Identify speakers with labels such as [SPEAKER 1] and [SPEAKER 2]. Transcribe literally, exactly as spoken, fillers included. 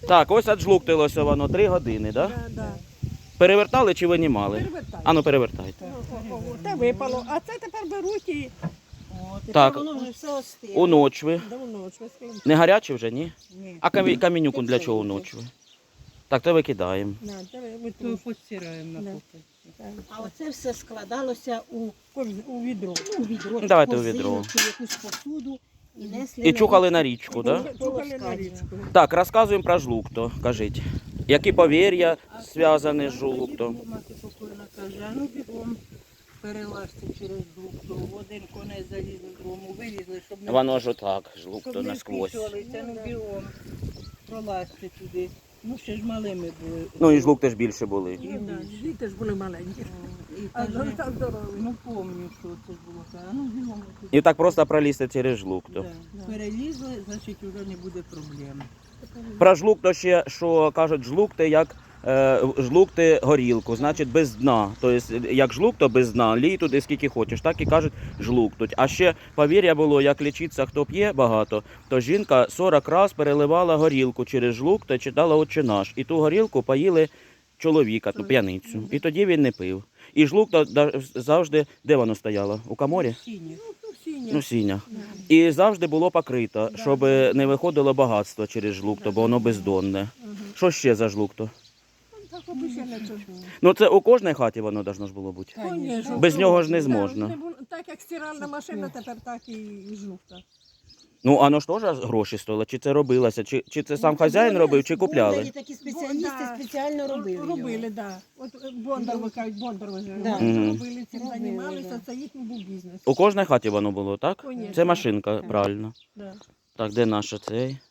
[SPEAKER 1] Так, ось отжлуктилося воно три години, так? Да?
[SPEAKER 2] Да, да.
[SPEAKER 1] Перевертали чи винімали?
[SPEAKER 2] Перевертай.
[SPEAKER 1] Ану, перевертайте.
[SPEAKER 2] О, о, о, Те випало, а це тепер беруть і
[SPEAKER 3] О, тепер
[SPEAKER 1] Так.
[SPEAKER 3] воно вже все остило.
[SPEAKER 1] У ночви.
[SPEAKER 2] давно швидко.
[SPEAKER 1] Не гаряче вже, ні?
[SPEAKER 3] Ні.
[SPEAKER 1] А камі- камінюку для чого у ночви? Так, то викидаємо.
[SPEAKER 2] На, це ви
[SPEAKER 4] То
[SPEAKER 2] тут.
[SPEAKER 4] постираємо на
[SPEAKER 2] Да.
[SPEAKER 4] кухні.
[SPEAKER 3] А оце все складалося у,
[SPEAKER 2] У відро.
[SPEAKER 3] у відро,
[SPEAKER 1] Ну, давайте у
[SPEAKER 3] корзину
[SPEAKER 1] відро.
[SPEAKER 3] чи якусь посуду і несли.
[SPEAKER 1] І
[SPEAKER 3] на
[SPEAKER 1] чухали на річку, так? Да?
[SPEAKER 2] Чухали на річку.
[SPEAKER 1] Так, розказуємо про жлукто, кажіть. Які повір'я зв'язані з жлуктом?
[SPEAKER 4] Мати покойна каже, а ну бігом перелазьте через жлукту. В один конець залізли з дому, вилізли, щоб не,
[SPEAKER 1] Воно ж отак,
[SPEAKER 4] щоб
[SPEAKER 1] жлукто
[SPEAKER 4] не
[SPEAKER 1] насквозь.
[SPEAKER 4] вписувалися, ну бігом. Пролазьте туди. Ну ще ж малими були.
[SPEAKER 1] Ну і жлукти ж більше були.
[SPEAKER 2] Ну, да, діти ж були маленькі.
[SPEAKER 4] І
[SPEAKER 2] А
[SPEAKER 4] каже,
[SPEAKER 2] так здорові.
[SPEAKER 4] ну помню, що це ж було. Каже, а ну бігом туди.
[SPEAKER 1] І так просто пролізти через жлукто.
[SPEAKER 4] Да. Перелізли, значить вже не буде проблем.
[SPEAKER 1] Про жлукто ще, що кажуть, жлукти як е, жлукти горілку, значить без дна. Тобто, як жлукто без дна, лій туди скільки хочеш, так і кажуть жлуктуть. А ще повір'я було, як лічиться, хто п'є багато, то жінка сорок раз переливала горілку через жлукто, читала «Отче наш». І ту горілку поїли чоловіка, ту п'яницю. І тоді він не пив. І жлукто да- завжди, де воно стояло? У каморі?
[SPEAKER 4] Сіні.
[SPEAKER 2] Ну, сіня.
[SPEAKER 1] Ну, сінях. І завжди було покрито, щоб не виходило багатство через жлукто, бо воно бездонне. Що ще за жлукто?
[SPEAKER 2] Так обичайно це ж.
[SPEAKER 1] Ну це у кожній хаті воно должно ж було бути.
[SPEAKER 2] Конечно.
[SPEAKER 1] Без нього ж не
[SPEAKER 2] Да,
[SPEAKER 1] зможна.
[SPEAKER 2] не було- Так як стиральна машина, тепер так і жовта.
[SPEAKER 1] Ну, а воно ж теж гроші стоїло, чи це робилося, чи, чи це сам хазяїн робив, чи
[SPEAKER 3] Були
[SPEAKER 1] купляли?
[SPEAKER 3] такі спеціалісти
[SPEAKER 2] Да.
[SPEAKER 3] спеціально робили.
[SPEAKER 2] Робили,
[SPEAKER 3] його.
[SPEAKER 2] да. От е, Бондар, ви кажуть, Бондар ви
[SPEAKER 3] Да.
[SPEAKER 2] Вони робили, цим
[SPEAKER 3] Робили,
[SPEAKER 2] займалися,
[SPEAKER 3] да.
[SPEAKER 2] це їхній був бізнес.
[SPEAKER 1] У кожній хаті воно було, так?
[SPEAKER 2] Конечно.
[SPEAKER 1] Це машинка, правильно.
[SPEAKER 2] Да.
[SPEAKER 1] Так, де наша цей?